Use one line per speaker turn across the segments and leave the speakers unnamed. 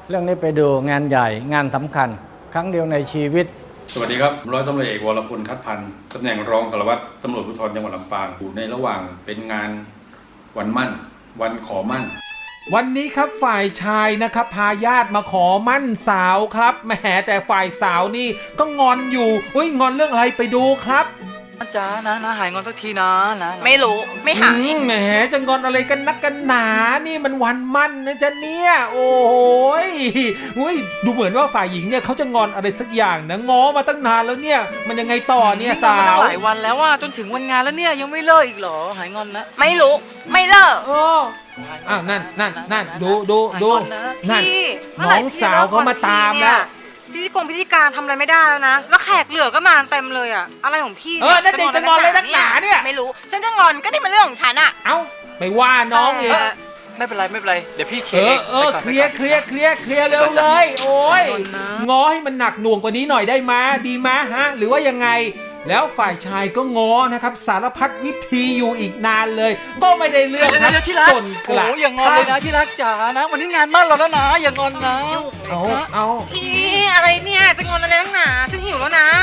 เรื่องนี้ไปดูงานใหญ่งานสำคัญครั้งเดียวในชีวิต
สวัสดีครับร้อยตำรวจเอกวรพลคัดพันธ์ตำแหน่งรองสารวัตรตำรวจภูธรจังหวัดลำปางอยู่ในระหว่างเป็นงานวันมั่นวันขอมั่น
วันนี้ครับฝ่ายชายนะครับพาญาติมาขอมั่นสาวครับแหมแต่ฝ่ายสาวนี่ก็งอนอยู่งอนเรื่องอะไรไปดูครับ
จ้านะหายงอนสักทีนะ
ไม่รู้ไม่หาย
แหมจะงอนอะไรกันนักกันหนานี่มันวันมั่นนะจ๊ะเนี่ยโอ้ยดูเหมือนว่าฝ่ายหญิงเนี่ยเขาจะงอนอะไรสักอย่างนะง้อมาตั้งนานแล้วเนี่ยมันยังไงต่อเนี่ยสาว
หลายวันแล้วว่าจนถึงวันงานแล้วเนี่ยยังไม่เลิกอีกเหรอหายงอนนะ
ไม่รู้ไม่เลิก
นั่นดูนั่นน้องสาวเขามาตามแล้ว
พิธีการทำอะไรไม่ได้แล้วนะแล้วแขกเหลือก็มาเต็มเลยอะอะไรของพี่
นั่นเด็กจะงอนเลยนักหนาเนี่ย
ไม่รู้ฉันจะงอนก็นี่มันเรื่องของฉันอะ
เอ้าไปว่าน้องเอง
ไม่เป็นไรเดี๋ยวพี่เคลียร์
เคลียร์เร็วเลยโอ้ยง้อให้มันหนักหน่วงกว่านี้หน่อยได้ไหมดีไหมฮะหรือว่ายังไงแล้วฝ่ายชายก็ง้อนะครับสารพัดวิธีอยู่อีกนานเลยก็ไม่ได้เรื่องครับจนกระทั่ง
อย่างงอนเลยนะที่รักจ๋านะวันนี้งานมั่นเราแล้วนะอย่างงอนนะ
เอา
พี่อะไรเนี่ยจะงอนอะไรนักหนาฉันหิวแล้วนะ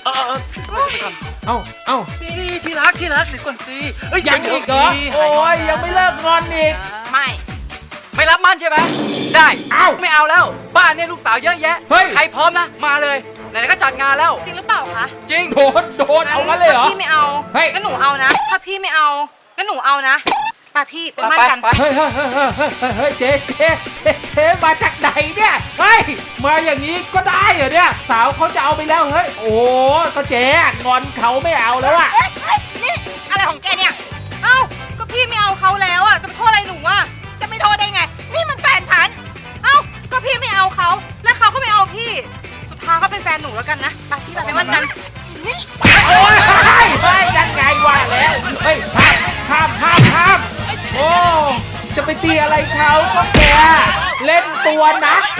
เอา
ที่รักเดี๋ยวก่อนสิ
ยังอีกเหรอโอ้ยยังไม่เลิกงอนอีก
ไม่รับมั่นใช่ไหมได้ไม่เอาแล้วบ้านเนี่ยลูกสาวเยอะแยะใครพร้อมนะมาเลยไหนๆก็จัดงานแล้ว
จริงหรือเปล่าคะ
จริง
โดนเอามาเลยเหรอ
พี่ไม่เอาก็หนูเอานะถ้าพี่ไม่เอาก็หนูเอานะป้าพี่ไปมั่นกัน
เฮ้ยเจ๊มาจากไหนเนี่ยมาอย่างนี้ก็ได้เหรอเนี่ยสาวเขาจะเอาไปแล้วเฮ้ยโอ้ก็เจ๊งอนเขาไม่เอาแล้วอะ
นี่อะไรของแกเนี่ยเอ้าก็พี่ไม่เอาเขาแล้วอะจะไปโทษอะไรหนูอะจะไม่โทษได้ไงนี่มันแฟนฉันเอ้าก็พี่ไม่เอาเขาและเขาก็ไม่เอาพี่สุดท้ายก็เป็นแฟนหนูแล้วกันนะป้าพี่ไปมั่นกันนี่
โอ้ยยังไงวะแล้วเฮ้ยห้ามโอ้จะไปตีอะไรเขาก็แกเล่นตัวนัก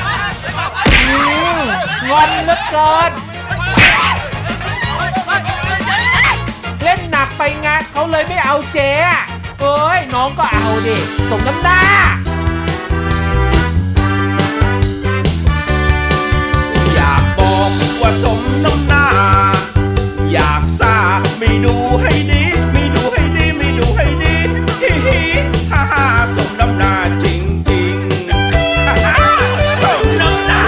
งอนเหลือเกินเล่นหนักไปงานเขาเลยไม่เอาเจ๊น้องก็เอาดิสมน้ำหน้า
อยากบอกว่าสมน้ำหน้าอยากซ่าไม่ดูให้ดีไม่ดูให้ดีฮิฮ่าสมน้ำหน้าจริงสมน้ำหน้า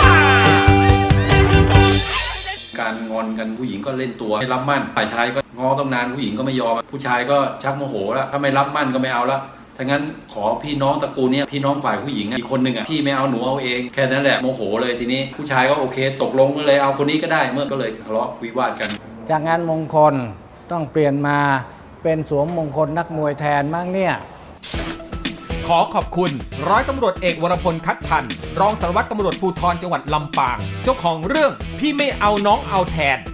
การงอนกันผู้หญิงก็เล่นตัวไม่รับมั่นฝ่ายชายก็ง้อต้องนานผู้หญิงก็ไม่ยอมผู้ชายก็ชักโมโหแล้วถ้าไม่รับมั่นก็ไม่เอาละถ้างั้นขอพี่น้องตระกูลนี้พี่น้องฝ่ายผู้หญิงอีกคนหนึ่งพี่ไม่เอาหนูเอาเองแค่นั้นแหละโมโหเลยทีนี้ผู้ชายก็โอเคตกลงก็เลยเอาคนนี้ก็ได้เมื่อก็เลยทะเลาะวิวาทกัน
จากงานมงคลต้องเปลี่ยนมาเป็นสวมมงคลนักมวยแทนมั้งเนี่ย
ขอขอบคุณร้อยตำรวจเอกวรพลคัดพันธ์รองสารวัตรตำรวจภูธรจังหวัดลำปางเจ้าของเรื่องพี่ไม่เอาน้องเอาแทน